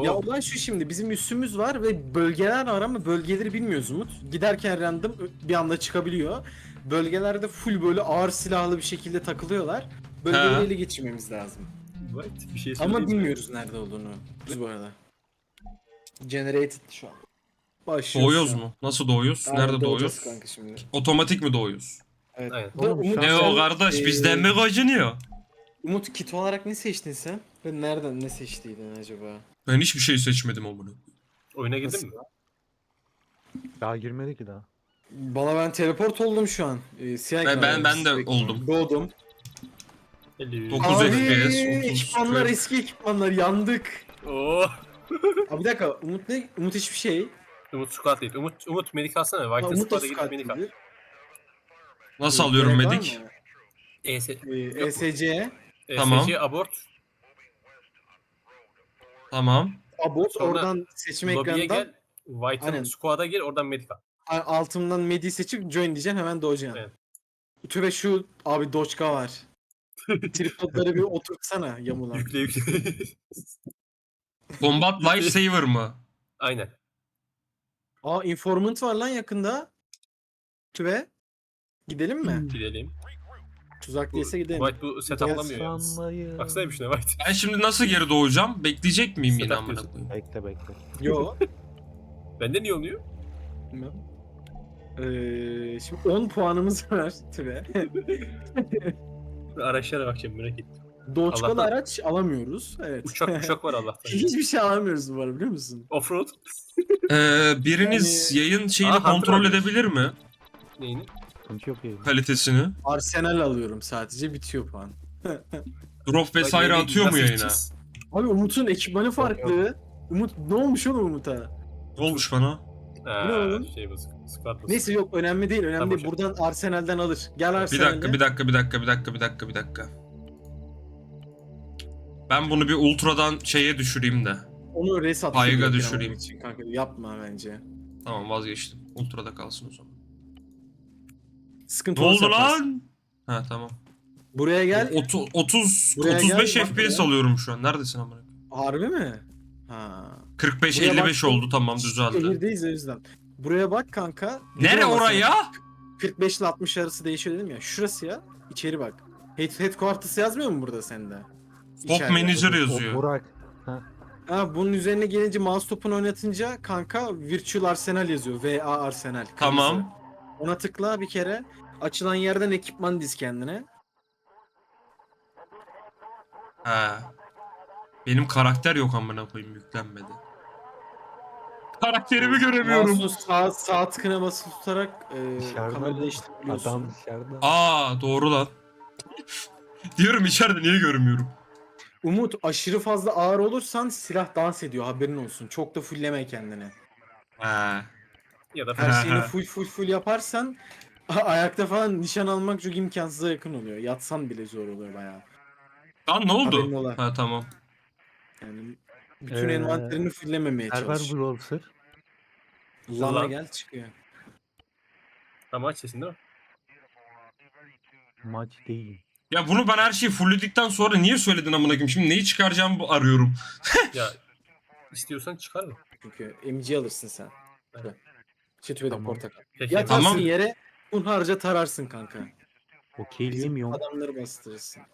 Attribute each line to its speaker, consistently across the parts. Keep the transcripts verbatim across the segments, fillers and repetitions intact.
Speaker 1: Oo.
Speaker 2: Ya olay şu, şimdi bizim üssümüz var ve bölgeler var ama bölgeleri bilmiyoruz Umut. Giderken random bir anda çıkabiliyor. Bölgelerde full böyle ağır silahlı bir şekilde takılıyorlar. Bölgeleri
Speaker 3: Ha.
Speaker 2: ele geçirmemiz lazım.
Speaker 1: What? Bir şey
Speaker 2: Ama
Speaker 1: söyleyeyim mi?
Speaker 2: bilmiyoruz nerede olduğunu biz bu arada. Generated şu an. Başlıyoruz
Speaker 3: Doğuyoruz
Speaker 2: şu an.
Speaker 3: mu? Nasıl doğuyoruz?
Speaker 2: Aynen,
Speaker 3: Nerede
Speaker 2: doğacağız
Speaker 3: doğuyoruz?
Speaker 2: kanka şimdi.
Speaker 3: Otomatik mi doğuyoruz?
Speaker 2: Evet.
Speaker 1: Aynen.
Speaker 2: Da
Speaker 4: Oğlum,
Speaker 2: Umut,
Speaker 4: şu an-
Speaker 3: Ne
Speaker 2: sen,
Speaker 3: o kardeş
Speaker 2: e,
Speaker 3: bizden mi kaçınıyor?
Speaker 2: Umut kit olarak ne seçtin sen? Ve nereden ne seçtiydin acaba?
Speaker 3: Ben hiçbir şey seçmedim amına.
Speaker 1: Oyuna girdin
Speaker 2: Nasıl?
Speaker 1: mi?
Speaker 4: Daha girmedi ki daha.
Speaker 2: Bana ben teleport oldum şu an. Ee, siyah
Speaker 3: Ben- ben-
Speaker 2: ekran,
Speaker 3: ben de
Speaker 2: siyah ekran.
Speaker 3: oldum.
Speaker 2: Doğdum.
Speaker 1: Hello.
Speaker 3: Dokuz
Speaker 2: Abi,
Speaker 3: F P S, otuz
Speaker 2: ekipmanlar
Speaker 3: kırk.
Speaker 2: eski ekipmanlar, yandık.
Speaker 1: Oo.
Speaker 2: Abi bir dakika, Umut ne? Umut hiçbir şey.
Speaker 1: Umut squad değil. Umut Umut medik alsana.
Speaker 2: Ha,
Speaker 1: White'ın
Speaker 2: Umut da
Speaker 1: squad'a gidip medik al.
Speaker 2: scout
Speaker 3: Nasıl alıyorum
Speaker 2: Gerek var
Speaker 3: medik?
Speaker 2: mı?
Speaker 1: E S
Speaker 2: Ee,
Speaker 1: Yok mu?
Speaker 2: E S C,
Speaker 3: Tamam.
Speaker 1: E S C abort.
Speaker 3: Tamam.
Speaker 2: Abort,
Speaker 1: Sonra
Speaker 2: oradan seçme
Speaker 1: Lobby'ye
Speaker 2: ekranından
Speaker 1: gel. White'ın
Speaker 2: Aynen.
Speaker 1: squad'a gir. Oradan medik al.
Speaker 2: a- altından medi seçip join diyeceksin, hemen doğacaksın.
Speaker 1: Evet.
Speaker 2: Tübe şu abi Doçka var. Tripodları bir oturtsana yamulan.
Speaker 1: Yükle yükle.
Speaker 3: Combat Lifesaver mı?
Speaker 1: Aynen.
Speaker 2: Aa, informant var lan yakında. Tübe. Gidelim mi?
Speaker 1: Gidelim.
Speaker 2: Tuzak
Speaker 1: Bu,
Speaker 2: değilse gidelim.
Speaker 1: White bu setuplamıyor yalnız.
Speaker 4: Sanmayın.
Speaker 1: Baksana bir şuna White.
Speaker 3: Ben şimdi nasıl geri doğacağım? Bekleyecek miyim yine
Speaker 1: Setup
Speaker 3: amına
Speaker 1: diyorsun.
Speaker 3: koyayım?
Speaker 4: Bekle bekle.
Speaker 2: Yo.
Speaker 1: Bende niye oluyor?
Speaker 2: Bilmem. Ee, şimdi on puanımız var Tübe.
Speaker 1: Araçlara bakacağım merak ettim.
Speaker 2: Doçkalı
Speaker 1: Allah'tan.
Speaker 2: araç alamıyoruz. Evet.
Speaker 1: Uçak uçak var Allah'tan.
Speaker 2: Hiçbir şey alamıyoruz bu arada, biliyor musun?
Speaker 1: Offroad.
Speaker 3: Ee, biriniz
Speaker 2: Yani-
Speaker 3: yayın şeyini
Speaker 1: Aa, Hunter
Speaker 3: kontrol
Speaker 1: alıyoruz.
Speaker 3: edebilir mi?
Speaker 1: Neyini?
Speaker 4: Sıkıntı yok yani.
Speaker 3: Kalitesini.
Speaker 2: Arsenal alıyorum sadece, bitiyor puan.
Speaker 3: Drop vesaire
Speaker 1: Bak,
Speaker 3: atıyor mu
Speaker 1: nasıl
Speaker 3: yayına?
Speaker 1: gideceğiz?
Speaker 2: Abi Umut'un ekipmanı farklı. Umut ne olmuş oğlum Umut'a?
Speaker 3: Ne olmuş bana?
Speaker 1: Ha,
Speaker 2: Bu ne oğlum?
Speaker 1: Şey basık. Squad basık.
Speaker 2: Neyse yok, önemli değil, önemli
Speaker 1: Tamam,
Speaker 2: değil.
Speaker 1: hocam.
Speaker 2: Buradan Arsenal'den alır. Gel
Speaker 3: Bir
Speaker 2: Arsenal'e.
Speaker 3: dakika, bir dakika, bir dakika, bir dakika, bir dakika, bir dakika. Ben bunu bir ultradan şeye düşüreyim de.
Speaker 2: Onu res at.
Speaker 3: Payga
Speaker 2: şuraya
Speaker 3: düşüreyim.
Speaker 2: için kanka. Yapma bence.
Speaker 3: Tamam, vazgeçtim. Ultrada kalsın o zaman.
Speaker 2: Sıkıntı
Speaker 3: Ne
Speaker 2: olursa
Speaker 3: oldu
Speaker 2: yaparsın.
Speaker 3: lan? Ha tamam.
Speaker 2: Buraya gel.
Speaker 3: Otu- otuz
Speaker 2: Buraya
Speaker 3: otuz beş
Speaker 2: gel, bak
Speaker 3: F P S
Speaker 2: buraya.
Speaker 3: alıyorum şu an. Neredesin amına?
Speaker 2: Harbi mi? Ha.
Speaker 3: kırk beş
Speaker 2: Buraya
Speaker 3: elli beş
Speaker 2: bak-
Speaker 3: oldu, tamam düzeldi.
Speaker 2: Şehirdeyiz o yüzden. Buraya bak kanka.
Speaker 3: Nere
Speaker 2: Gidiyor ama
Speaker 3: oraya?
Speaker 2: sana. kırk beş ile altmış arası değişiyor dedim ya. Şurası ya. İçeri bak. Head, headquarters yazmıyor mu burada sende?
Speaker 3: Top
Speaker 2: İçeride.
Speaker 3: Manager
Speaker 4: O
Speaker 3: yazıyor.
Speaker 4: Burak.
Speaker 2: Ha, bunun üzerine gelince mouse topunu oynatınca kanka Virtual Arsenal yazıyor. V A Arsenal. kırmızı.
Speaker 3: Tamam.
Speaker 2: Ona tıkla bir kere. Açılan yerden ekipman diz kendine.
Speaker 3: Ha. Benim karakter yok amına koyayım, yüklenmedi. Karakterimi göremiyorum.
Speaker 2: Mouse'un sağ, sağ tıkına basılı tutarak e,
Speaker 4: Dışarıda
Speaker 2: kamera
Speaker 4: mı?
Speaker 2: değiştirebiliyorsun.
Speaker 4: Adam dışarıda.
Speaker 3: Aa doğru lan. Diyorum içeride niye görmüyorum?
Speaker 2: Umut, aşırı fazla ağır olursan silah dans ediyor, haberin olsun. Çok da fullleme kendini.
Speaker 3: Ha.
Speaker 1: Ya da
Speaker 2: Her şeyini full full full yaparsan a- ayakta falan nişan almak çok imkansıza yakın oluyor. Yatsan bile zor oluyor bayağı.
Speaker 3: Lan ne oldu?
Speaker 2: Haberin ola.
Speaker 3: Ha tamam.
Speaker 2: Yani bütün
Speaker 4: Ee,
Speaker 2: envanterini fulllememeye
Speaker 4: Server
Speaker 2: çalış.
Speaker 4: Browser.
Speaker 2: Lana
Speaker 1: Lan.
Speaker 2: gel çıkıyor.
Speaker 1: Ama aç sesini değil mi?
Speaker 4: Maç değil.
Speaker 3: Ya bunu ben her şeyi fullledikten sonra niye söyledin amına koyayım? Şimdi neyi çıkaracağımı arıyorum.
Speaker 1: Ya istiyorsan çıkar mı?
Speaker 2: Çünkü M G alırsın sen.
Speaker 1: Evet.
Speaker 2: Çetüvede
Speaker 4: Tamam.
Speaker 2: portakal.
Speaker 1: Peki.
Speaker 2: Yatarsın
Speaker 3: Tamam.
Speaker 2: yere, hunharca tararsın kanka.
Speaker 4: Okeyleyemiyorum.
Speaker 2: Adamları bastırırsın.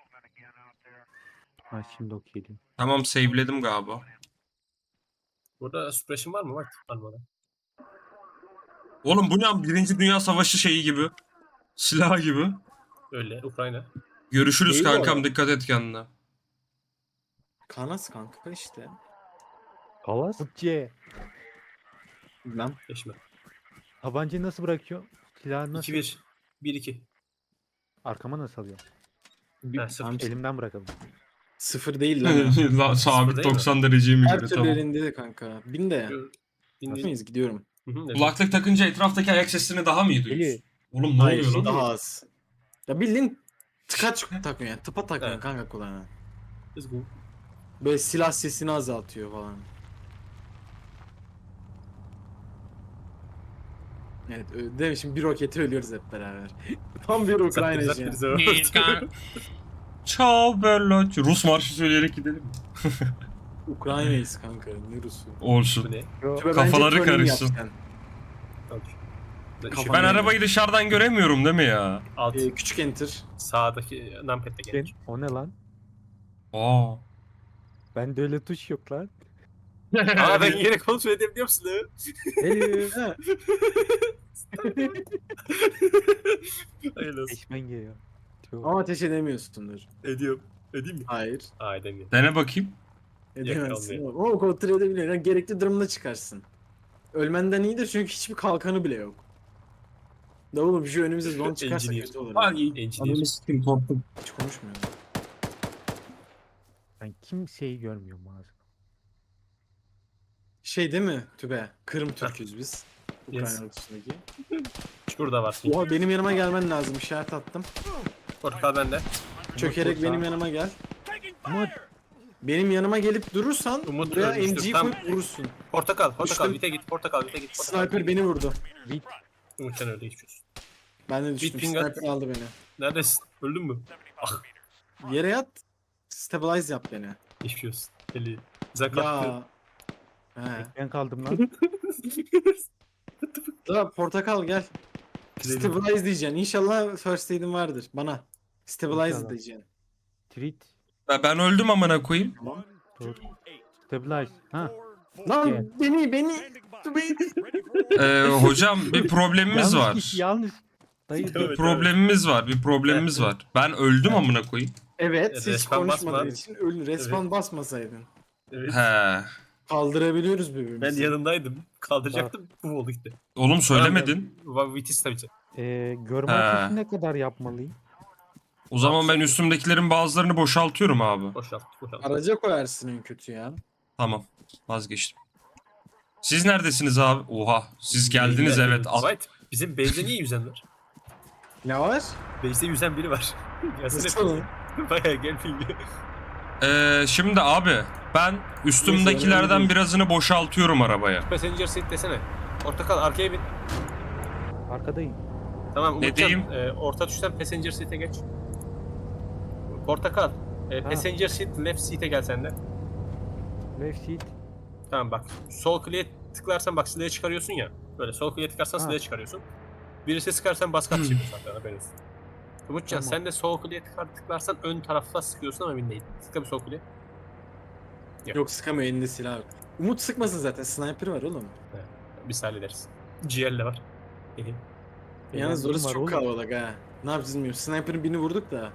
Speaker 4: Ha şimdi okeyleyim.
Speaker 3: Tamam, saveledim galiba.
Speaker 1: Burada suppression var mı? Var. Var bana.
Speaker 3: Oğlum bu ne? Birinci Dünya Savaşı şeyi gibi. Silah gibi.
Speaker 1: Öyle. Ukrayna.
Speaker 3: Görüşürüz
Speaker 2: Değil bu
Speaker 3: kankam,
Speaker 2: arada.
Speaker 3: dikkat et kendine.
Speaker 2: Kanas kanka işte.
Speaker 4: Kalas. C.
Speaker 2: Bilmem.
Speaker 1: Geçme.
Speaker 4: Tabancayı nasıl bırakıyor? Silahı nasıl?
Speaker 1: iki bir. bir iki.
Speaker 4: Arkama nasıl alıyor?
Speaker 2: Bir,
Speaker 1: Ha, sıfır.
Speaker 2: tamam,
Speaker 4: Elimden bırakalım.
Speaker 2: sıfır değil lan.
Speaker 3: La, sabit
Speaker 1: değil mi?
Speaker 3: doksan dereceye mi
Speaker 2: Her
Speaker 3: göre
Speaker 2: türlü
Speaker 3: tamam.
Speaker 2: elinde de kanka. Bin de.
Speaker 1: Bin bin.
Speaker 2: Yapmayız, gidiyorum.
Speaker 1: Hı hı, evet.
Speaker 3: Kulaklık takınca etraftaki ayak seslerini daha mı iyi duyuyorsun?
Speaker 4: Eli.
Speaker 3: Oğlum ne
Speaker 2: Hayır,
Speaker 3: oluyor lan?
Speaker 2: daha az. Ya bildiğin tıkaç takıyorsun yani. Tıpa takıyorsun
Speaker 1: Evet.
Speaker 2: kanka kulağına.
Speaker 1: Let's go.
Speaker 2: Böyle silah sesini azaltıyor falan. Evet, ö- değil mi? Şimdi bir roketi ölüyoruz hep beraber. Tam bir Ukrayna
Speaker 1: Zaten-
Speaker 2: şey.
Speaker 1: zaten-
Speaker 3: Ciao bella. Rus marşı söyleyerek gidelim mi?
Speaker 2: Ukrayna'yız kanka. Ne Rus'u?
Speaker 3: Olsun.
Speaker 1: Bu ne?
Speaker 4: Yo,
Speaker 2: Tübe,
Speaker 3: Kafaları
Speaker 2: bence turning
Speaker 3: karışsın.
Speaker 2: yap sen.
Speaker 1: Okey.
Speaker 2: Kafa-
Speaker 3: Ben arabayı dışarıdan göremiyorum değil mi ya?
Speaker 1: Alt
Speaker 2: Ee, küçük enter.
Speaker 1: sağdaki numpad'le
Speaker 4: ben-
Speaker 1: gelir.
Speaker 4: o ne lan?
Speaker 3: Aa.
Speaker 4: Bende öyle tuş yok lan.
Speaker 1: Aa ben yine kontrol edebiliyor musun? lan?
Speaker 4: Elif.
Speaker 2: Ha.
Speaker 1: Hayırlı olsun.
Speaker 4: Eşmen geliyor. Çok.
Speaker 2: Ama ateş edemiyorsundur.
Speaker 1: Ediyorum. Edeyim mi?
Speaker 2: Hayır.
Speaker 1: Aa edemiyorum.
Speaker 3: Dene bakayım.
Speaker 2: Edemezsin.
Speaker 1: Yok,
Speaker 2: Ama kontrol edebiliyorsun. Yani gerekli durumda çıkarsın. Ölmenden iyidir çünkü hiçbir kalkanı bile yok. Da oğlum şu önümüze zon çıkarsa
Speaker 1: Engineer.
Speaker 2: kötü olur.
Speaker 1: Ay,
Speaker 2: ya.
Speaker 1: engineer.
Speaker 3: Ananı sikeyim korktum.
Speaker 2: Hiç konuşmuyorum.
Speaker 4: Ben kimseyi görmüyorum ağzım.
Speaker 2: Şey değil mi Tübe? Kırım Türk'üz biz. Ukrayna
Speaker 1: Yes.
Speaker 2: ortasındaki.
Speaker 1: Şurada var.
Speaker 2: Oha benim yanıma gelmen lazım. İşaret attım.
Speaker 1: Portakal bende.
Speaker 2: Çökerek
Speaker 4: Umut
Speaker 2: benim
Speaker 4: burada.
Speaker 2: yanıma gel.
Speaker 4: Umut.
Speaker 2: Benim yanıma gelip durursan
Speaker 1: Umut
Speaker 2: buraya
Speaker 1: ölmüştür,
Speaker 2: M G'yi
Speaker 1: tam-
Speaker 2: koyup vurursun.
Speaker 1: Portakal. Portakal.
Speaker 2: Düştüm.
Speaker 1: Vite git. Portakal. Vite git. Portakal.
Speaker 2: Sniper beni vurdu.
Speaker 4: Bit.
Speaker 1: Umut sen öyle geçiyorsun.
Speaker 2: Ben de düştüm.
Speaker 1: ping at.
Speaker 2: Sniper aldı beni.
Speaker 1: Neredesin? Öldün mü? Ah.
Speaker 2: Yere yat. Stabilize yap beni.
Speaker 1: Geçmiş olsun. Eli. Güzel kalktı.
Speaker 2: Ya. He.
Speaker 4: Ben kaldım lan.
Speaker 2: Da portakal gel.
Speaker 1: Gidelim.
Speaker 2: Stabilize diyeceksin. İnşallah first aid'in vardır. Bana. Stabilize
Speaker 4: İnşallah.
Speaker 2: diyeceksin.
Speaker 4: Treat.
Speaker 3: Ben ben öldüm amına koyayım.
Speaker 2: Tamam.
Speaker 4: Dur. Stabilize. Ha.
Speaker 2: Lan
Speaker 4: Gel.
Speaker 2: beni beni. beni.
Speaker 3: Ee, hocam bir problemimiz
Speaker 4: Yanlış
Speaker 3: var.
Speaker 4: kişi, yanlış. Dayı
Speaker 1: Evet,
Speaker 4: dur.
Speaker 1: evet.
Speaker 3: Problemimiz var. Bir problemimiz var. Ben öldüm amına koyayım.
Speaker 2: Evet hiç
Speaker 1: Respawn
Speaker 2: konuşmadığın
Speaker 1: basma.
Speaker 2: için ölü. Respawn basmasaydın.
Speaker 1: Evet.
Speaker 3: He.
Speaker 2: Kaldırabiliyoruz birbirimizi.
Speaker 1: Ben yanındaydım. Kaldıracaktım. Bu oldu gitti.
Speaker 3: Oğlum söylemedin.
Speaker 1: Va- Vitis tabii ki.
Speaker 4: Ee, görme
Speaker 3: He.
Speaker 4: ateşi ne kadar yapmalıyım?
Speaker 3: O zaman ben üstümdekilerin bazılarını boşaltıyorum abi.
Speaker 1: Boşalt. Boşalt.
Speaker 2: Araca koyarsın en kötü ya.
Speaker 3: Tamam. Vazgeçtim. Siz neredesiniz abi? Oha. Siz geldiniz evet. Al-
Speaker 1: White. Bizim base'de niye yüzen var?
Speaker 2: Ne var?
Speaker 1: Base'de yüzen biri var. Gelsene.
Speaker 2: Nasıl?
Speaker 1: Bayağı gel filmi.
Speaker 3: Ee, şimdi abi ben üstümdekilerden birazını boşaltıyorum arabaya.
Speaker 1: Passenger seat desene. Portakal arkaya bin.
Speaker 4: Arkadayım.
Speaker 1: Tamam
Speaker 3: Ne
Speaker 1: Umutcan.
Speaker 3: diyeyim?
Speaker 1: E, orta tuştan passenger seat'e geç. Portakal. E,
Speaker 4: Ha.
Speaker 1: passenger seat left seat'e gel sen de.
Speaker 4: Left seat.
Speaker 1: Tamam bak. Sol kliğe tıklarsan bak silahı çıkarıyorsun ya. Böyle sol kliğe tıklarsan
Speaker 4: Ha.
Speaker 1: silahı çıkarıyorsun. Birisi sıkarsan bas kaç çekiyorsun hatta haberin olsun. Umutcan
Speaker 4: Tamam.
Speaker 1: sen de sol kliğe tıklar, tıklarsan ön tarafta sıkıyorsun ama emin değil. Tıkla bir sol kliğe.
Speaker 2: Yok sıkamıyor elinde silah yok. Umut sıkmasın zaten. Sniper var oğlum.
Speaker 1: Biz hallederiz. G L de var. Gelin.
Speaker 2: Yalnız
Speaker 4: Eğlendim
Speaker 2: orası
Speaker 4: var
Speaker 2: çok
Speaker 4: oğlum.
Speaker 2: kalabalık ha. Ne yapacağız bilmiyorum. Sniper'ın birini vurduk da.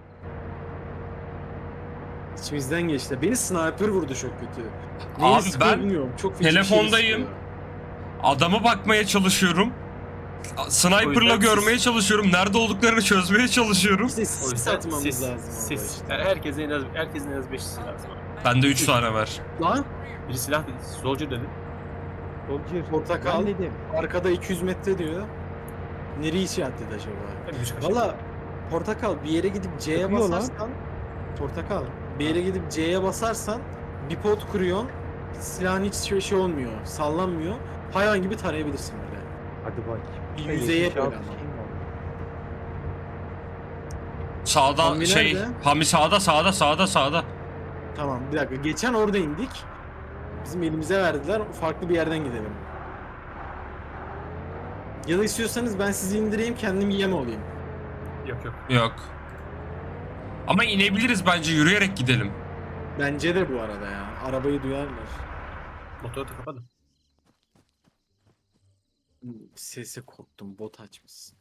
Speaker 2: İçimizden geçti. Beni sniper vurdu çok kötü. Neyi
Speaker 3: Abi
Speaker 2: sıkıyor
Speaker 3: ben
Speaker 2: bilmiyorum. Çok feci bir şey
Speaker 3: telefondayım.
Speaker 2: sıkıyor.
Speaker 3: Adamı bakmaya çalışıyorum.
Speaker 1: O
Speaker 3: Sniper'la
Speaker 1: yüzden
Speaker 3: görmeye
Speaker 1: siz-
Speaker 3: çalışıyorum. Nerede olduklarını çözmeye çalışıyorum.
Speaker 2: İşte
Speaker 1: O
Speaker 2: sis
Speaker 1: yüzden
Speaker 2: atmamız
Speaker 1: siz,
Speaker 2: lazım. orada
Speaker 1: siz,
Speaker 2: işte.
Speaker 1: yani herkesin en az herkesin en az beş silah lazım.
Speaker 3: Bende üç tane var.
Speaker 2: Lan
Speaker 1: Biri silah dedi, soldier dedi.
Speaker 4: Soldier.
Speaker 2: Portakal.
Speaker 4: Ben dedim.
Speaker 2: arkada iki yüz metre diyor. Nereye işaretledi acaba?
Speaker 1: Hadi bir kaçak.
Speaker 2: Valla portakal bir yere gidip C'ye
Speaker 4: Sıkıyor lan.
Speaker 2: basarsan portakal bir yere gidip C'ye basarsan bir pot kuruyorsun. Silahın hiç şey, şey olmuyor. Sallanmıyor. Hayvan gibi tarayabilirsin böyle.
Speaker 4: Hadi bak.
Speaker 2: Bir yüzeye böyle ama.
Speaker 3: Sağda
Speaker 2: Hamdi
Speaker 3: şey,
Speaker 2: nerede?
Speaker 3: Hami sağda sağda sağda sağda.
Speaker 2: Tamam bir dakika. Geçen orada indik. Bizim elimize verdiler. Farklı bir yerden gidelim. Ya da istiyorsanız ben sizi indireyim kendim yem olayım.
Speaker 1: Yok yok.
Speaker 3: Yok. Ama inebiliriz bence yürüyerek gidelim.
Speaker 2: Bence de bu arada ya. Arabayı duyarlar.
Speaker 1: Motoru da kapadım.
Speaker 2: Sese korktum. Bot açmışsın.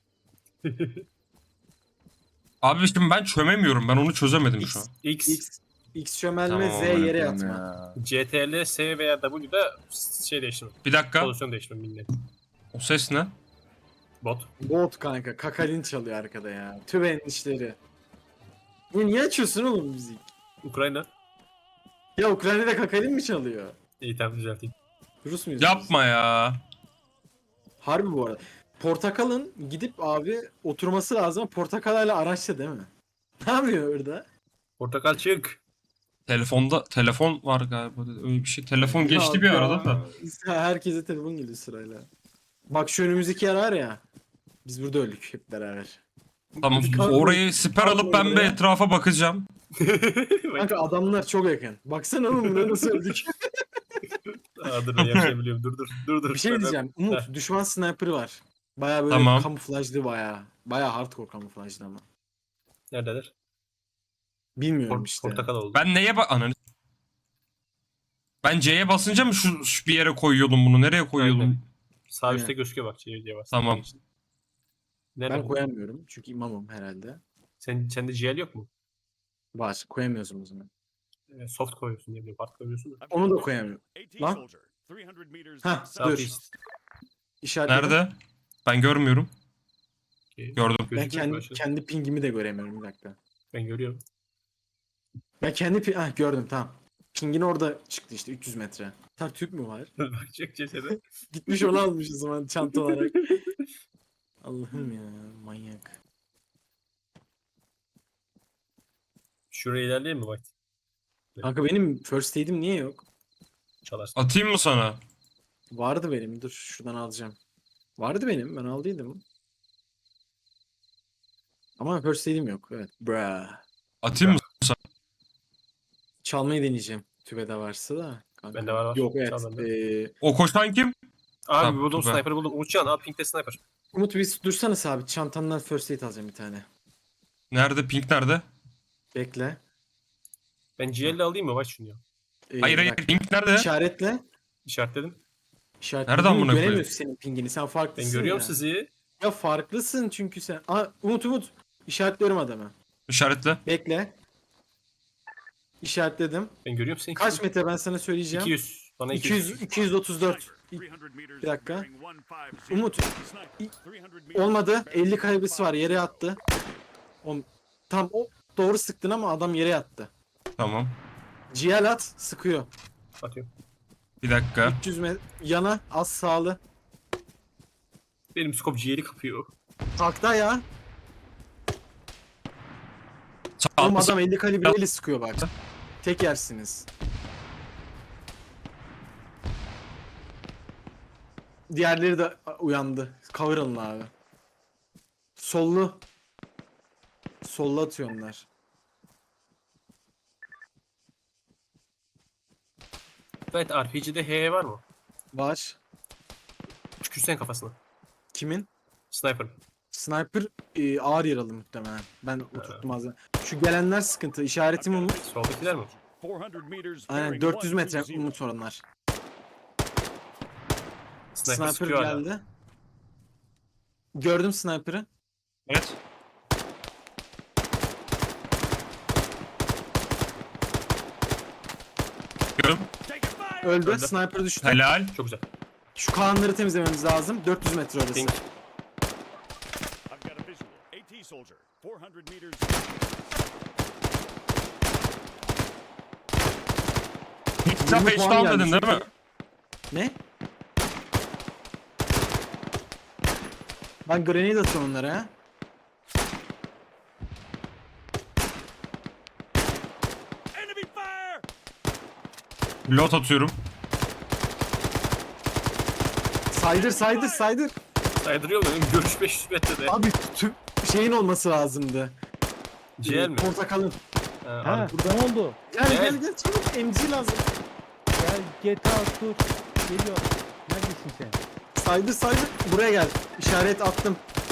Speaker 3: Abi şimdi ben çömemiyorum. Ben onu çözemedim şu an.
Speaker 1: X, X,
Speaker 2: X X çömelme
Speaker 3: Tamam,
Speaker 2: Z
Speaker 3: amına
Speaker 2: yere
Speaker 3: koyayım
Speaker 2: yatma.
Speaker 3: ya.
Speaker 1: C T L, S veya W'da şey değiştirme.
Speaker 3: Bir dakika.
Speaker 1: Pozisyon değiştirme bilmiyorum.
Speaker 3: O ses ne?
Speaker 1: Bot.
Speaker 2: Bot kanka. Kakalin çalıyor arkada ya. Tüben işleri. Ya niye açıyorsun oğlum müzik?
Speaker 1: Ukrayna.
Speaker 2: Ya Ukrayna'da Kakalin mi çalıyor?
Speaker 1: İyi tamam düzelteyim.
Speaker 2: Rus muyuz? biz?
Speaker 3: Yapma ya.
Speaker 2: Harbi bu arada. Portakal'ın gidip abi oturması lazım. Portakal hala araçta değil mi? Ne yapıyor orada?
Speaker 1: Portakal çık.
Speaker 3: Telefonda telefon var galiba. Öyle bir şey. Telefon geçti bir
Speaker 2: Ya,
Speaker 3: arada da.
Speaker 2: ya, herkese telefon geliyor sırayla. Bak şu önümüzdeki yer var ya. Biz burada öldük hep beraber.
Speaker 3: Tamam.
Speaker 2: Kalk-
Speaker 3: Orayı siper
Speaker 2: kalk
Speaker 3: alıp ben bir
Speaker 2: oraya.
Speaker 3: etrafa bakacağım.
Speaker 2: Kanka adamlar çok yakın. Baksana oğlum buraya nasıl öldük.
Speaker 1: Aa, dur ben yaşayabiliyorum. Dur dur. Dur dur.
Speaker 2: Bir şey diyeceğim. Umut düşman sniper'ı var. Baya böyle
Speaker 3: Tamam.
Speaker 2: kamuflajlı baya. Baya hardcore kamuflajlı ama.
Speaker 1: Neredeler?
Speaker 2: Bilmiyorum
Speaker 1: Por-
Speaker 2: işte.
Speaker 1: Portakal oldu.
Speaker 3: Ben neye bak... Ananı... Ben C'ye basınca mı şu, şu bir yere koyuyordum bunu? Nereye koyuyordum?
Speaker 1: Aynen. Sağ
Speaker 2: Aynen.
Speaker 1: üstte gözüküyor bak. C C var.
Speaker 3: Tamam.
Speaker 1: Nerede
Speaker 2: Ben
Speaker 1: bu?
Speaker 2: koyamıyorum çünkü imamım herhalde.
Speaker 1: Sen, sende G L yok mu?
Speaker 2: Var. Koyamıyorsun o zaman.
Speaker 1: Ee, soft koyuyorsun diye biliyorum. Hard koyuyorsun da.
Speaker 2: Onu da koyamıyorum. Lan. Hah dur.
Speaker 1: Southeast.
Speaker 2: İşaretledim.
Speaker 3: Nerede? Ben görmüyorum.
Speaker 1: Okey.
Speaker 3: Gördüm.
Speaker 2: Ben
Speaker 1: Gözükmüyor
Speaker 2: kendi,
Speaker 1: başladı.
Speaker 2: kendi pingimi de göremiyorum bir dakika.
Speaker 1: Ben görüyorum.
Speaker 2: Ben kendi pi- ah, gördüm tamam. Pingin orada çıktı işte üç yüz metre. Tam Türk mü var?
Speaker 1: Bak çek cesede.
Speaker 2: Gitmiş onu almış o zaman çanta olarak. Allah'ım ya manyak.
Speaker 1: Şuraya ilerleyelim mi White?
Speaker 2: Kanka benim first aid'im niye yok?
Speaker 1: Çalarsın.
Speaker 3: Atayım mı sana?
Speaker 2: Vardı benim. Dur şuradan alacağım. Vardı benim. Ben aldıydım. Ama first aid'im yok. Evet. Bra.
Speaker 3: Atayım mı?
Speaker 2: Çalmayı deneyeceğim. Tübede varsa da. Kanka.
Speaker 1: Bende var, var.
Speaker 2: Yok evet.
Speaker 1: Çal bende.
Speaker 2: Ee,
Speaker 3: O koşan kim?
Speaker 1: Abi
Speaker 3: Tamam,
Speaker 1: buldum
Speaker 3: süper.
Speaker 1: sniper'ı buldum. Uçan al pinkte sniper.
Speaker 2: Umut bir dursana sabit. Çantandan first aid alacağım bir tane.
Speaker 3: Nerede? Pink nerede?
Speaker 2: Bekle.
Speaker 1: Ben G L alayım mı White şunu ya?
Speaker 2: Ee,
Speaker 3: Hayır
Speaker 2: bir
Speaker 3: hayır.
Speaker 2: dakika.
Speaker 3: Pink nerede?
Speaker 2: İşaretle.
Speaker 1: İşaretledim.
Speaker 2: İşaretle.
Speaker 3: Nereden
Speaker 2: Umut
Speaker 3: amına koyayım?
Speaker 2: göremiyorsun senin pingini. Sen farklısın
Speaker 1: Ben görüyorum
Speaker 2: ya.
Speaker 1: sizi.
Speaker 2: Ya farklısın çünkü sen. Aa, Umut Umut. İşaretliyorum adamı.
Speaker 3: İşaretle.
Speaker 2: Bekle. İşaretledim.
Speaker 1: Ben görüyorum seni.
Speaker 2: Kaç metre ben sana söyleyeceğim.
Speaker 1: iki yüz. Bana
Speaker 2: iki yüz iki yüz otuz dört. Bir dakika. Umut. Olmadı. elli kaybısı var. Yere yattı. O, tam o doğru sıktın ama adam yere yattı.
Speaker 3: Tamam.
Speaker 2: G L at sıkıyor.
Speaker 1: Atıyorum.
Speaker 3: Bir dakika.
Speaker 2: üç yüz metre yana az sağlı.
Speaker 1: Benim scope G L'i kapıyor.
Speaker 2: Takta ya.
Speaker 3: Sağ,
Speaker 2: Oğlum
Speaker 3: sağ-
Speaker 2: adam elli kalibreyle sıkıyor bak. Tek yersiniz. Diğerleri de uyandı. Cover alın abi. Sollu. Sollu atıyor onlar.
Speaker 1: Evet R P G'de H var mı?
Speaker 2: Var.
Speaker 1: Tükürsen kafasına.
Speaker 2: Kimin?
Speaker 1: Sniper.
Speaker 2: Sniper e, ağır yaralı muhtemelen. Ben oturttum az önce. Şu gelenler sıkıntı. İşaretim Umut.
Speaker 1: Soldakiler mi?
Speaker 2: Aynen dört yüz metre Umut oranlar.
Speaker 1: Sniper,
Speaker 2: Sniper
Speaker 1: sıkıyor hala.
Speaker 2: geldi. Gördüm sniper'ı.
Speaker 3: Evet. Görüyorum.
Speaker 2: Öldü.
Speaker 1: Öldü.
Speaker 2: Sniper düştü.
Speaker 3: Helal.
Speaker 1: Çok güzel.
Speaker 2: Şu kaanları temizlememiz lazım. dört yüz metre orası.
Speaker 1: Pink.
Speaker 3: Sen
Speaker 2: yirmi
Speaker 3: beş
Speaker 2: puan
Speaker 3: down
Speaker 2: geldi
Speaker 3: dedin değil mi?
Speaker 2: çünkü. Ne? Ben grenade atıyorum onlara ha.
Speaker 3: Lot atıyorum.
Speaker 2: Saydır saydır saydır.
Speaker 1: Saydırıyor mu? Benim görüş beş yüz metrede.
Speaker 2: Abi tüm şeyin olması lazımdı.
Speaker 1: G L mi?
Speaker 2: Portakalın.
Speaker 1: Ha,
Speaker 4: Ha
Speaker 1: abi.
Speaker 4: burada ne oldu?
Speaker 2: Gel
Speaker 1: Gel.
Speaker 2: gel gel çabuk M G lazım.
Speaker 4: Gel G T A dur. Geliyor. Neredesin sen?
Speaker 2: Saydır saydır. Buraya gel. İşaret attım.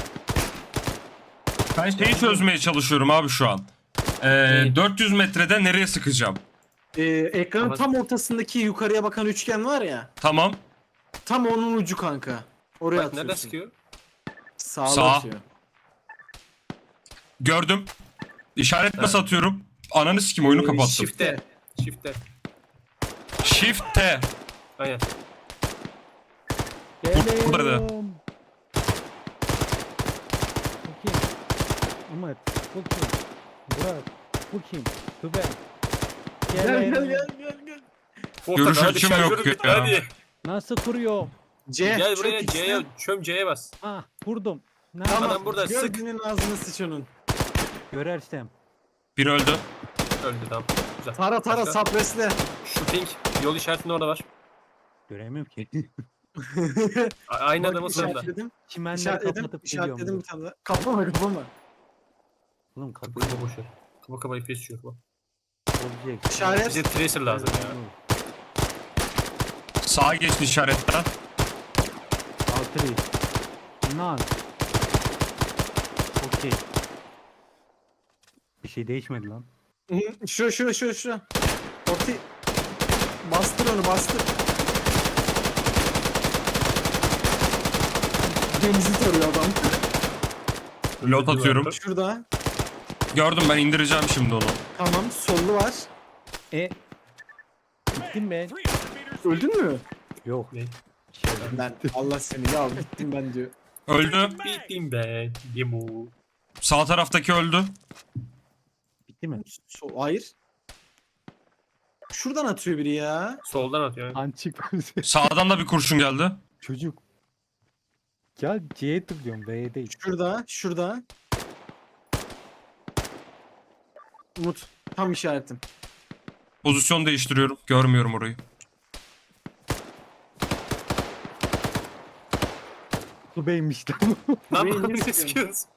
Speaker 3: Ben şeyi çözmeye çalışıyorum abi şu an. Ee, dört yüz metrede nereye sıkacağım?
Speaker 2: Ee, ekranın
Speaker 1: Ama-
Speaker 2: tam ortasındaki yukarıya bakan üçgen var ya.
Speaker 3: Tamam.
Speaker 2: Tam onun ucu kanka. Oraya
Speaker 1: Bak
Speaker 2: atıyorsun.
Speaker 1: nereden sıkıyor?
Speaker 2: Sağa
Speaker 3: Sağ.
Speaker 2: atıyor.
Speaker 3: Gördüm. İşaret nasıl atıyorum? Ananı sikim oyunu
Speaker 2: Ee,
Speaker 3: kapattım.
Speaker 1: Shift'te. Shift'te.
Speaker 3: Shift T.
Speaker 1: Aynen.
Speaker 3: Burada da.
Speaker 4: Geliyorum. Bu kim? Umut. Bu kim? Burak. Bu kim? Tübe.
Speaker 2: Gel gel
Speaker 4: Geliyorum.
Speaker 2: gel gel gel.
Speaker 3: Görüş
Speaker 1: Portakal, hadi
Speaker 3: açım yok
Speaker 1: şarjörü bitti,
Speaker 3: ya.
Speaker 1: Hadi.
Speaker 4: Nasıl kuruyor?
Speaker 2: C.
Speaker 1: Gel
Speaker 2: çok
Speaker 1: buraya
Speaker 2: X'ten.
Speaker 1: C'ye çöm C'ye bas.
Speaker 4: Ah vurdum. Ne
Speaker 2: Tamam.
Speaker 1: Adam burada, sık.
Speaker 2: Gördüğünün ağzını sıç onun.
Speaker 4: Görersem.
Speaker 3: Bir öldü.
Speaker 1: Öldü tamam. Güzel.
Speaker 2: Tara tara
Speaker 1: Başka?
Speaker 2: sapresle.
Speaker 1: Şu pink yol işaretinde orada var.
Speaker 4: Göremiyorum ki.
Speaker 1: A- Aynı
Speaker 2: Bak,
Speaker 1: adamın sırada.
Speaker 2: işaretledim.
Speaker 4: Çimenleri
Speaker 2: İşaretledim.
Speaker 4: kapatıp
Speaker 2: İşaretledim
Speaker 4: geliyorum.
Speaker 2: bir tane daha. Kapama kapama.
Speaker 4: Oğlum kapı.
Speaker 1: Kapı kapa boş ver. Kapa kapa F P S düşüyor. Kapa.
Speaker 4: Olacak.
Speaker 2: İşaret.
Speaker 1: Bize tracer lazım ya.
Speaker 3: Sağa geçti işaretten.
Speaker 4: Altı reis. Nan. Okey. Bir şey değişmedi lan.
Speaker 2: Hı, Şu şu şu şu. Orti. Bastır onu bastır. Denizi tarıyor adam.
Speaker 3: Lot atıyorum.
Speaker 2: Şurada.
Speaker 3: Gördüm, ben indireceğim şimdi onu.
Speaker 2: Tamam sollu var.
Speaker 4: E. Bittim ben.
Speaker 2: Öldün mü?
Speaker 4: Yok.
Speaker 1: Ne?
Speaker 4: Şey,
Speaker 2: Ben Allah seni ya bittim ben diyor.
Speaker 3: Öldü.
Speaker 1: Bittim ben. Yemu.
Speaker 3: Sağ taraftaki öldü.
Speaker 4: bitti mi?
Speaker 2: So hayır. Şuradan atıyor biri ya.
Speaker 1: Soldan atıyor.
Speaker 4: An çıkmaz.
Speaker 3: Sağdan da bir kurşun geldi.
Speaker 4: Çocuk. Ya C'ye tıklıyorum B'ye değil.
Speaker 2: Şurada, şurada. Umut tam işaretim.
Speaker 3: Pozisyon değiştiriyorum. Görmüyorum orayı.
Speaker 4: Bu B'ymiş lan.
Speaker 1: Lan
Speaker 2: Beni
Speaker 1: ne
Speaker 2: niye
Speaker 1: sıkıyorsun?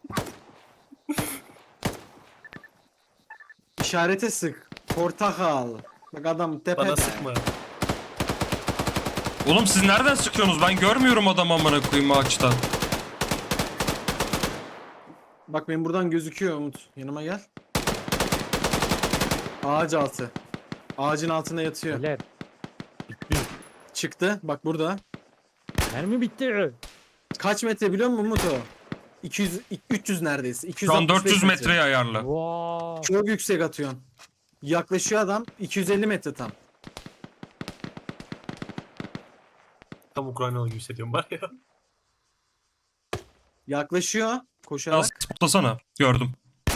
Speaker 2: İşarete sık. Portakal. Bak adam tepede.
Speaker 1: Bana sıkma.
Speaker 3: Oğlum siz nereden sıkıyorsunuz? Ben görmüyorum adamı amına koyayım ağaçtan.
Speaker 2: Bak benim buradan gözüküyor Umut. Yanıma gel. Ağaç altı. Ağacın altında yatıyor.
Speaker 4: Beyler. Bitti.
Speaker 2: Çıktı. Bak burada.
Speaker 4: Mermi bitti.
Speaker 2: Kaç metre biliyor musun Umut o? iki yüz, üç yüz neredeyse.
Speaker 3: Şu an
Speaker 2: iki yüz altmış beş
Speaker 3: dört yüz metreye ayarlı.
Speaker 4: Wow.
Speaker 2: Çok yüksek atıyorsun. Yaklaşıyor adam. iki yüz elli metre tam.
Speaker 1: Tam Ukraynalı gibi hissediyorum var ya.
Speaker 2: Yaklaşıyor. Koşarak.
Speaker 3: Biraz spotlasana. Gördüm.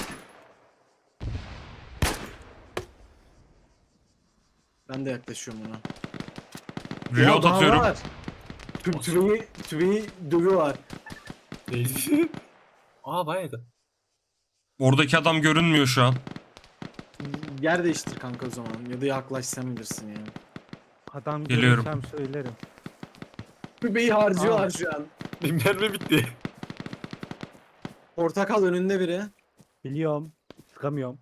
Speaker 2: Ben de yaklaşıyorum ona.
Speaker 3: Reload
Speaker 2: Ya daha
Speaker 3: atıyorum.
Speaker 2: var. Tü- Tübeyi, tübeyi dövüyorlar.
Speaker 1: Değil. Aa bayağı da.
Speaker 3: Oradaki adam görünmüyor şu an.
Speaker 2: Yer değiştir kanka o zaman. Ya da yaklaş sen bilirsin yani.
Speaker 4: Adam
Speaker 3: Geliyorum.
Speaker 4: görürsem söylerim.
Speaker 2: Tübeyi harcıyorlar şu an.
Speaker 1: Benim mermi bitti.
Speaker 2: Portakal önünde biri.
Speaker 4: Biliyorum. Sıkamıyorum.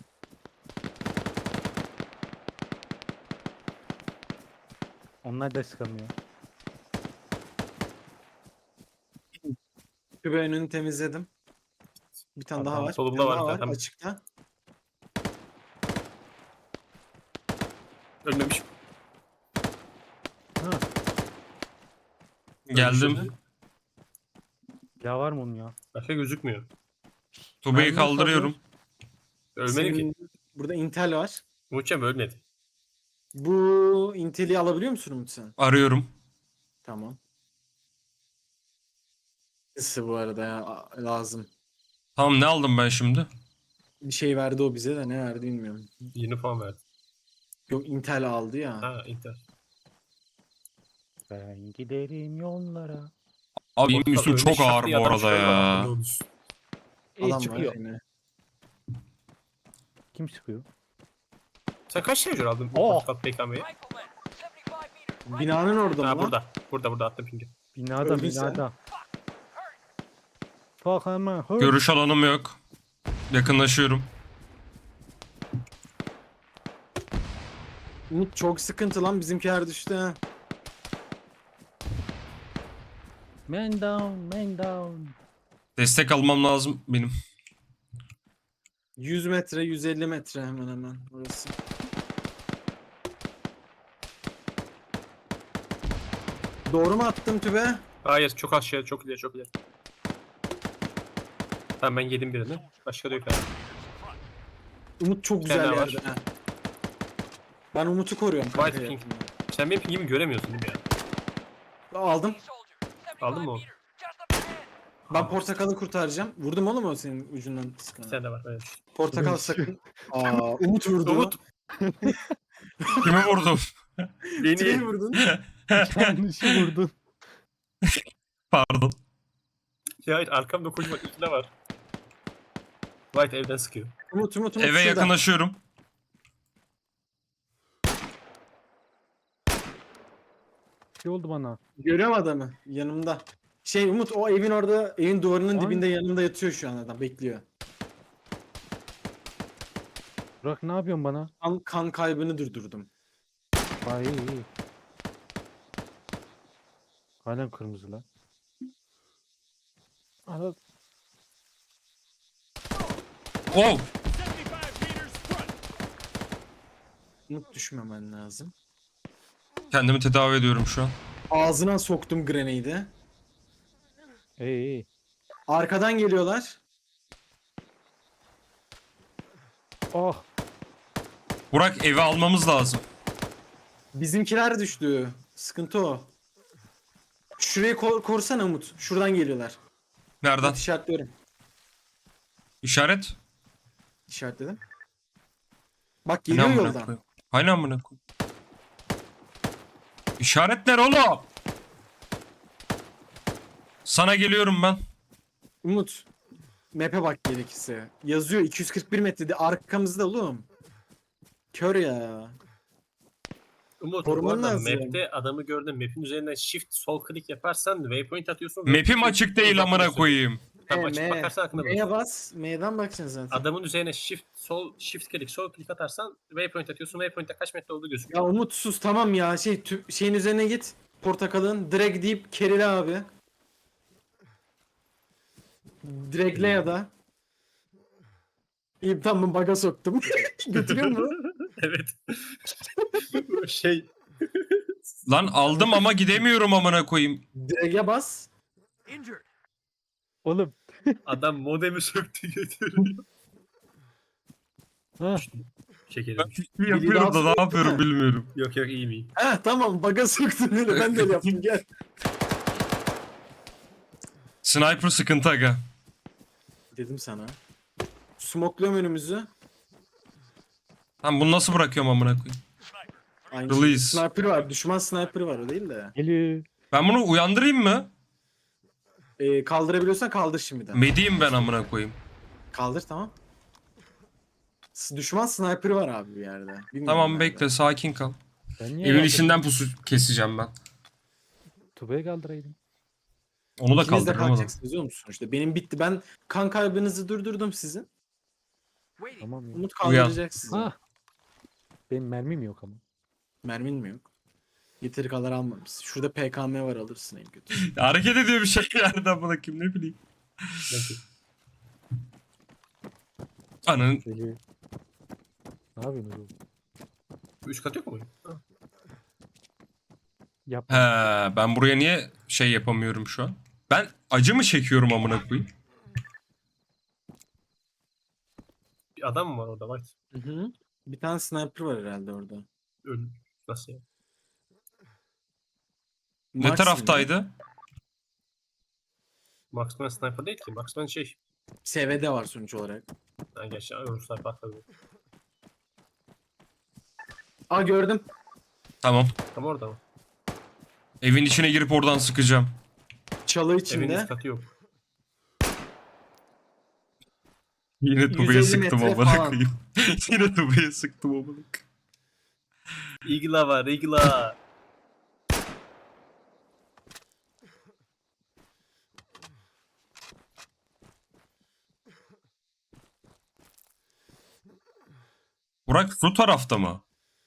Speaker 4: Onlar da sıkamıyor.
Speaker 2: Tübe önünü temizledim. Bir tane
Speaker 1: Tamam,
Speaker 2: daha var.
Speaker 1: solumda
Speaker 2: bir tane
Speaker 1: var
Speaker 2: daha
Speaker 1: zaten.
Speaker 2: açıkta.
Speaker 1: Ölmemiş.
Speaker 4: Ha.
Speaker 3: Geldim.
Speaker 4: Ya var mı onun ya?
Speaker 1: Başka gözükmüyor.
Speaker 3: Tubeyi
Speaker 4: Mermi
Speaker 3: kaldırıyorum.
Speaker 1: Ölmedi ki.
Speaker 2: Senin- Burada Intel var.
Speaker 1: Umutcan ölmedi.
Speaker 2: Bu Intel'i alabiliyor musun Umut sen?
Speaker 3: Arıyorum.
Speaker 2: Tamam. Nasıl bu arada ya a- lazım.
Speaker 3: Tamam, ne aldım ben şimdi?
Speaker 2: Bir şey verdi o bize de ne verdi bilmiyorum.
Speaker 1: yirmi puan verdi.
Speaker 2: Yok Intel aldı ya.
Speaker 1: Ha Inter.
Speaker 4: Ben giderim yollara.
Speaker 3: Abi benim üstüm
Speaker 1: Ölmüş
Speaker 3: çok ağır
Speaker 1: şak diye
Speaker 3: bu
Speaker 1: adam
Speaker 3: arada
Speaker 1: şöyle
Speaker 3: ya.
Speaker 1: baktı, ne olmuş?
Speaker 4: E
Speaker 2: Adam var
Speaker 4: çıkıyor.
Speaker 2: yine.
Speaker 4: Kim sıkıyor?
Speaker 1: Sen kaç şarjör aldın?
Speaker 4: Oh!
Speaker 1: Oh. P K M'yi.
Speaker 2: Binanın orada mı
Speaker 1: Ha
Speaker 2: lan?
Speaker 1: burada. Burada burada attım pingi.
Speaker 4: Binada
Speaker 2: Öldün sen.
Speaker 4: binada. Fuck ama. hır.
Speaker 3: Görüş alanım yok. Yakınlaşıyorum.
Speaker 2: Umut çok sıkıntı lan bizimkiler düştü ha.
Speaker 4: Man down, man down.
Speaker 3: Destek almam lazım benim.
Speaker 2: yüz metre yüz elli metre hemen hemen orası. Doğru mu attım tübe?
Speaker 1: Hayır çok az şey çok ileri çok ileri. Tamam ben yedim birini. Başka da yok herhalde.
Speaker 2: Umut çok
Speaker 1: Bir tane
Speaker 2: güzel
Speaker 1: daha
Speaker 2: yerde ha. Ben Umut'u koruyorum kanka.
Speaker 1: White
Speaker 2: ya.
Speaker 1: pink. Sen benim pingimi göremiyorsun değil mi ya?
Speaker 2: Aldım.
Speaker 1: Aldın mı onu?
Speaker 2: Ben portakalı kurtaracağım. Vurdum oğlum o senin ucundan
Speaker 1: Bir
Speaker 2: sıkına.
Speaker 1: tane de var. Evet.
Speaker 2: Portakal sakın. Aa, Umut vurdu.
Speaker 1: Umut.
Speaker 3: Kimi vurdum?
Speaker 2: Tübeyi
Speaker 1: Beni.
Speaker 2: vurdun.
Speaker 4: Yanlışı vurdun.
Speaker 3: Pardon.
Speaker 1: Ya hayır arkamda kocaman ikna var. White evden sıkıyor.
Speaker 2: Umut Umut Umut
Speaker 3: Eve
Speaker 2: şurada.
Speaker 3: yakınlaşıyorum.
Speaker 4: Ne oldu bana?
Speaker 2: Görüyorum adamı yanımda. Şey Umut o evin orada evin duvarının
Speaker 4: Ay.
Speaker 2: dibinde yanımda yatıyor şu an adam bekliyor.
Speaker 4: Burak ne yapıyorsun bana?
Speaker 2: Kan, kan kaybını durdurdum.
Speaker 4: Ay iyi iyi. Halen kırmızı lan. Ana
Speaker 3: Oh!
Speaker 2: Umut düşmemen lazım.
Speaker 3: Kendimi tedavi ediyorum şu an.
Speaker 2: Ağzına soktum grenade'i.
Speaker 4: iyi iyi.
Speaker 2: Arkadan geliyorlar.
Speaker 4: Oh.
Speaker 3: Burak evi almamız lazım.
Speaker 2: Bizimkiler düştü. Sıkıntı o. Şurayı kor korsana Umut. Şuradan geliyorlar.
Speaker 3: Nereden?
Speaker 2: Umut işaretliyorum.
Speaker 3: İşaret.
Speaker 2: İşaretledim. Bak
Speaker 3: Ne
Speaker 2: geliyor
Speaker 3: amına
Speaker 2: yoldan.
Speaker 3: koyayım? Hani amına koyayım? İşaretler oğlum. Sana geliyorum ben.
Speaker 2: Umut. Map'e bak gerekirse. Yazıyor iki yüz kırk bir metrede arkamızda oğlum. Kör ya.
Speaker 1: Umut,
Speaker 2: Koruman
Speaker 1: bu arada
Speaker 2: lazım.
Speaker 1: map'te adamı gördüm. Map'in üzerinden shift sol klik yaparsan waypoint atıyorsun.
Speaker 3: Map'im
Speaker 1: Waypoint
Speaker 3: açık değil amına
Speaker 1: uzatıyorsun.
Speaker 3: koyayım.
Speaker 1: Tam
Speaker 2: M,
Speaker 1: açık
Speaker 2: M.
Speaker 1: bakarsan aklına
Speaker 2: M'ye
Speaker 1: bulursun.
Speaker 2: bas. M'den bakacaksın zaten.
Speaker 1: Adamın üzerine shift sol shift klik sol klik atarsan waypoint atıyorsun. Waypoint'te kaç metre olduğu gözüküyor.
Speaker 2: Ya Umut sus tamam ya. Şey tü- şeyin üzerine git. Portakalın. Drag deyip kerile abi. Dragle ya da. İyi tamam baga soktum. Götürüyor mu?
Speaker 1: Evet. şey
Speaker 3: Lan aldım ama gidemiyorum amına koyayım.
Speaker 2: Drag'e bas.
Speaker 4: Oğlum.
Speaker 1: adam modemi söktü götürüyor.
Speaker 4: Ha.
Speaker 1: Şekerim.
Speaker 3: Yapıyorum da ne yapıyorum bilmiyorum.
Speaker 1: Yok yok iyi miyim?
Speaker 2: Heh tamam baga soktun öyle. Ben de öyle yaptım gel.
Speaker 3: Sniper sıkıntı aga.
Speaker 2: Dedim sana. Smokluyorum önümüzü.
Speaker 3: Lan bunu nasıl bırakıyorum amına koyayım?
Speaker 2: Aynı
Speaker 3: Release.
Speaker 2: Sniper var. Düşman sniper var o değil de.
Speaker 4: Geliyor.
Speaker 3: Ben bunu uyandırayım mı?
Speaker 2: Ee, kaldırabiliyorsan kaldır şimdiden.
Speaker 3: Mediyim ben amına koyayım.
Speaker 2: Kaldır tamam. S- Düşman sniper var abi bir yerde. Bilmiyorum
Speaker 3: Tamam
Speaker 2: nerede.
Speaker 3: bekle sakin kal.
Speaker 4: Ben niye
Speaker 3: Evin
Speaker 4: kaldırdım?
Speaker 3: içinden pusu keseceğim ben.
Speaker 4: Tuba'ya kaldıraydım.
Speaker 3: Onu da
Speaker 2: İkiniz de
Speaker 3: kaldırırım ama.
Speaker 2: kalkacaksınız biliyor musun? İşte benim bitti. Ben kan kaybınızı durdurdum sizin.
Speaker 4: Tamam ya.
Speaker 2: Umut kaldıracak sizi.
Speaker 4: Ha. Benim mermim yok ama.
Speaker 2: Mermin mi yok? Yeteri kadar almamışsın. Şurada P K M var alırsın en kötü.
Speaker 3: Hareket ediyor bir şey yani amına koyayım ne bileyim. Ananın
Speaker 4: Geliyor. Ne yapıyorsun oğlum?
Speaker 1: Üst kat yok mu?
Speaker 4: Yapma.
Speaker 3: He, ben buraya niye şey yapamıyorum şu an? Ben acı mı çekiyorum amına koyayım?
Speaker 1: Bir adam mı var orada? Bak.
Speaker 2: Hı hı. Bir tane sniper var herhalde orada.
Speaker 1: Öl. Nasıl ya?
Speaker 3: Ne
Speaker 2: Marksman
Speaker 3: taraftaydı?
Speaker 1: Marksman sniper değil ki. Marksman şey.
Speaker 2: S V D var sonuç olarak.
Speaker 1: Ha gerçi Ruslar patladı.
Speaker 2: Aa gördüm.
Speaker 3: Tamam.
Speaker 1: Tam orada mı?
Speaker 3: Evin içine girip oradan sıkacağım.
Speaker 2: Çalı
Speaker 1: Evin
Speaker 2: içinde.
Speaker 1: üst katı yok.
Speaker 3: Yine Tuba'ya
Speaker 2: yüz elli
Speaker 3: sıktım
Speaker 2: metre
Speaker 3: amına
Speaker 2: falan.
Speaker 3: koyayım. Yine Tuba'ya sıktım amına koyayım.
Speaker 1: Igla var, igla.
Speaker 3: Burak şu tarafta mı?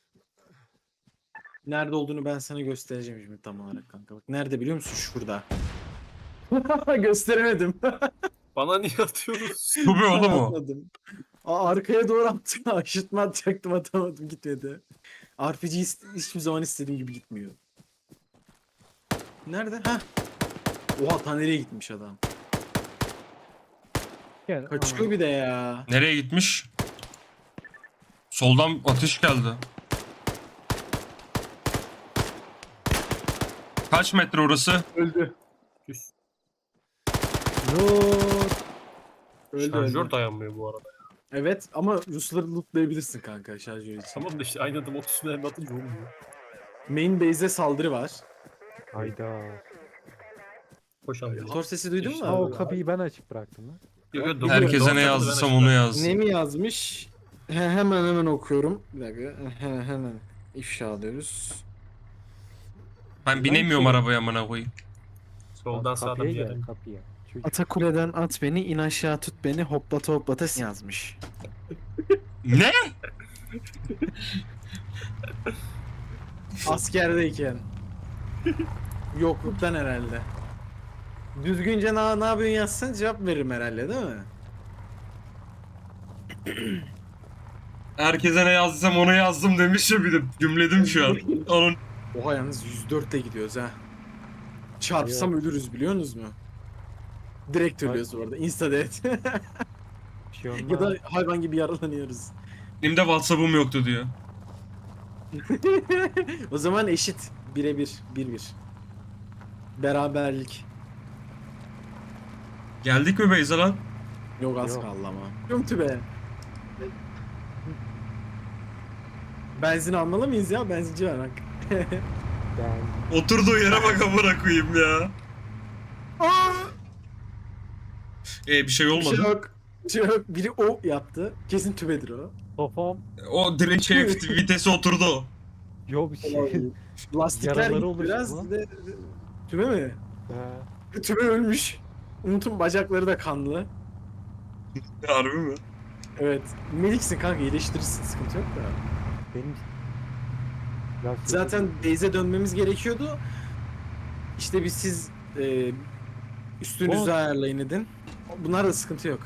Speaker 2: Nerede olduğunu ben sana göstereceğim şimdi tam olarak kanka. Bak nerede biliyor musun? Şurada. Gösteremedim.
Speaker 1: Bana niye atıyorsunuz?
Speaker 3: Tubi oğlum o.
Speaker 2: Atmadım. Aa, arkaya doğru attım. Aşırtma atacaktım atamadım gitmedi. R P G ist- hiçbir zaman istediğim gibi gitmiyor. Nerede? Ha? Oha ta nereye gitmiş adam.
Speaker 4: Gel.
Speaker 2: Kaçıyor bir de ya.
Speaker 3: Nereye gitmiş? Soldan ateş geldi. Kaç metre orası?
Speaker 2: Öldü.
Speaker 1: Düz.
Speaker 2: Yok. Öldü
Speaker 1: Şarjör
Speaker 2: öldü.
Speaker 1: dayanmıyor bu arada.
Speaker 2: Evet ama Rusları lootlayabilirsin kanka şarjör için.
Speaker 1: Tamam da işte aynı adım otuz mermi atınca olmuyor.
Speaker 2: Main base'e saldırı var.
Speaker 4: Hayda.
Speaker 1: Koş abi.
Speaker 2: Motor sesi duydun
Speaker 1: İşte
Speaker 2: mu?
Speaker 4: Aa, o
Speaker 2: abi?
Speaker 4: kapıyı ben açık bıraktım lan.
Speaker 1: Yok, yok, dokuz-
Speaker 3: Herkese
Speaker 1: dokuz
Speaker 3: ne
Speaker 1: katı
Speaker 3: yazdıysam
Speaker 1: ben
Speaker 3: onu
Speaker 1: açtım.
Speaker 3: yazdım.
Speaker 2: Ne mi yazmış? He, hemen hemen okuyorum. Bir dakika. He, hemen ifşa alıyoruz.
Speaker 3: Ben binemiyorum arabaya amına koyayım.
Speaker 1: Soldan
Speaker 4: Bak,
Speaker 1: sağdan
Speaker 4: kapıya
Speaker 1: bir
Speaker 4: gel,
Speaker 1: yerden.
Speaker 4: kapıya. Çocuk.
Speaker 2: Ata kuleden at beni, in aşağı tut beni, hoplata hoplata yazmış.
Speaker 3: Ne?
Speaker 2: Askerdeyken. Yokluktan herhalde. Düzgünce ne, ne yapıyorsun yazsan cevap veririm herhalde değil mi?
Speaker 3: Herkese ne yazdıysam onu yazdım demiş ya bir de cümledim şu an. Onun
Speaker 2: Oha yalnız yüz dörtle gidiyoruz ha. Çarpsam ölürüz biliyor musunuz mu? Direkt ölüyoruz bu arada. Insta death.
Speaker 4: Bir şey olmaz.
Speaker 2: Ya da hayvan gibi yaralanıyoruz.
Speaker 3: benim de WhatsApp'ım yoktu diyor.
Speaker 2: O zaman eşit. Birebir. Bir bir. Beraberlik.
Speaker 3: Geldik mi Beyza lan?
Speaker 2: Yok az
Speaker 4: Yok.
Speaker 2: kaldı ama. Yumtu be. Benzin almalı mıyız ya? Benzinci var bak.
Speaker 4: Ben
Speaker 3: Oturduğu yere bak amına koyayım ya. E bir şey
Speaker 2: Bir
Speaker 3: olmadı.
Speaker 2: şey yok. Bir şey yok. Biri o yaptı. Kesin tübedir o.
Speaker 4: kafam
Speaker 3: O direkt şey vitesi oturdu o.
Speaker 4: yok bir şey.
Speaker 2: Lastikler
Speaker 4: Yaraları
Speaker 2: gitti
Speaker 4: oluştu
Speaker 2: biraz.
Speaker 4: lan.
Speaker 2: De, tübe mi?
Speaker 4: He.
Speaker 2: Tübe ölmüş. Umut'un bacakları da kanlı.
Speaker 3: Harbi mi?
Speaker 2: Evet. Meliksin kanka iyileştirirsin sıkıntı yok da.
Speaker 4: Benim ya
Speaker 2: Zaten base'e dönmemiz gerekiyordu. İşte biz siz e, üstünüzü
Speaker 4: O-
Speaker 2: ayarlayın edin. Bunlar da sıkıntı yok.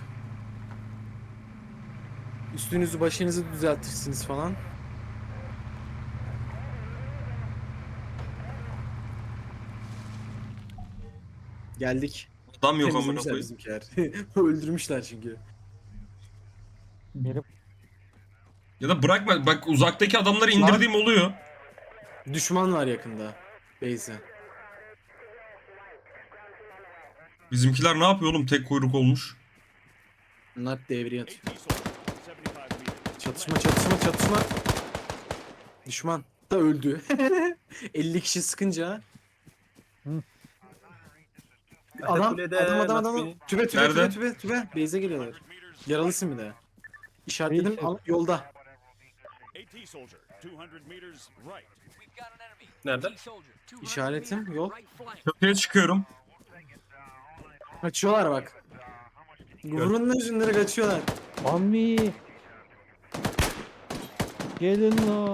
Speaker 2: Üstünüzü başınızı düzeltirsiniz falan. Geldik.
Speaker 3: Adam yok amına
Speaker 2: Temizlemişler
Speaker 3: koyayım.
Speaker 2: bizimkiler. Öldürmüşler çünkü.
Speaker 4: benim
Speaker 3: Ya da bırakma bak uzaktaki adamları indirdiğim oluyor.
Speaker 2: Düşman var yakında. Base'e.
Speaker 3: Bizimkiler ne yapıyor oğlum tek kuyruk olmuş.
Speaker 2: Bunlar devreye atıyor. Çatışma çatışma çatışma. Düşman da öldü. elli kişi sıkınca.
Speaker 4: Hı.
Speaker 2: Adam,
Speaker 1: Kulede,
Speaker 2: adam adam adam
Speaker 1: Nasbi.
Speaker 2: tübe tübe
Speaker 3: Nerede?
Speaker 2: tübe tübe tübe base'e geliyorlar. Yaralısın bir de. İşaretledim
Speaker 4: Neyse.
Speaker 2: al- yolda.
Speaker 1: Nerede?
Speaker 2: İşaretim yol.
Speaker 3: Köprüye çıkıyorum.
Speaker 2: Kaçıyorlar bak. Vurun yüzünleri kaçıyorlar.
Speaker 4: Mami. Gelin lan.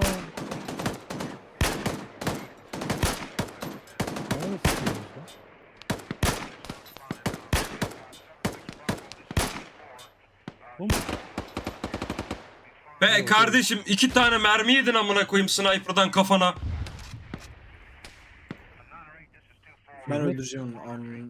Speaker 4: Nerede sıkıyorsunuz lan? Oğlum,
Speaker 3: Be kardeşim iki tane mermi yedin amına koyayım sniper'dan kafana.
Speaker 2: Ben
Speaker 4: Evet.
Speaker 2: öldüreceğim onu. Amin.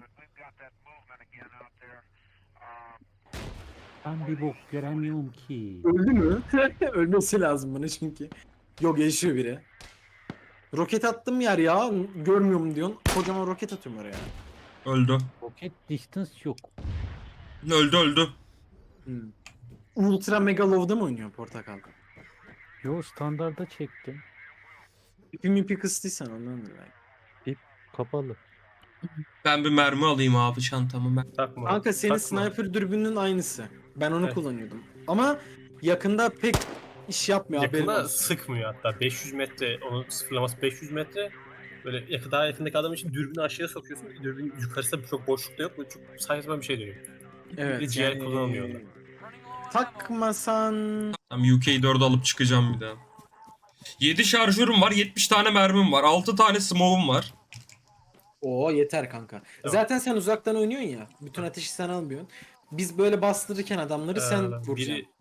Speaker 4: ben bir bok göremiyorum ki.
Speaker 2: Öldü mü? Ölmesi lazım bana çünkü. Yok yaşıyor biri. Roket attım yer ya. Görmüyorum diyorsun. Kocaman roket atıyorum oraya.
Speaker 3: Öldü.
Speaker 4: Rocket distance yok.
Speaker 3: Öldü öldü.
Speaker 2: Hmm. Ultra Mega Low'da mı oynuyor Portakal?
Speaker 4: Yo standarda çektim.
Speaker 2: İpi mipi kıstıysan ondan dolayı.
Speaker 4: Kapalı.
Speaker 3: Ben bir mermi alayım abi çantamı ben.
Speaker 1: Takma.
Speaker 2: Kanka senin
Speaker 1: takma.
Speaker 2: sniper dürbününün aynısı. Ben onu
Speaker 1: Evet.
Speaker 2: kullanıyordum. Ama yakında pek iş yapmıyor haberin
Speaker 1: Yakında
Speaker 2: olsun.
Speaker 1: sıkmıyor hatta. beş yüz metre, onun sıfırlaması beş yüz metre. Böyle yakın, daha yakındaki adam için dürbünü aşağıya sokuyorsun. Dürbün yukarısı çok boşlukta yok. Böyle çok saçma bir şey dönüyor.
Speaker 2: Evet.
Speaker 1: Bir ciğer kullanılmıyor orada.
Speaker 2: Takmasan...
Speaker 3: Tamam U K dördü alıp çıkacağım bir daha. yedi şarjörüm var, yetmiş tane mermim var, altı tane smoke'um var.
Speaker 2: Oo yeter kanka. Zaten sen uzaktan oynuyorsun ya. Bütün ateşi sen almıyorsun. Biz böyle bastırırken adamları sen
Speaker 1: Ee,
Speaker 2: vuracaksın.
Speaker 1: biri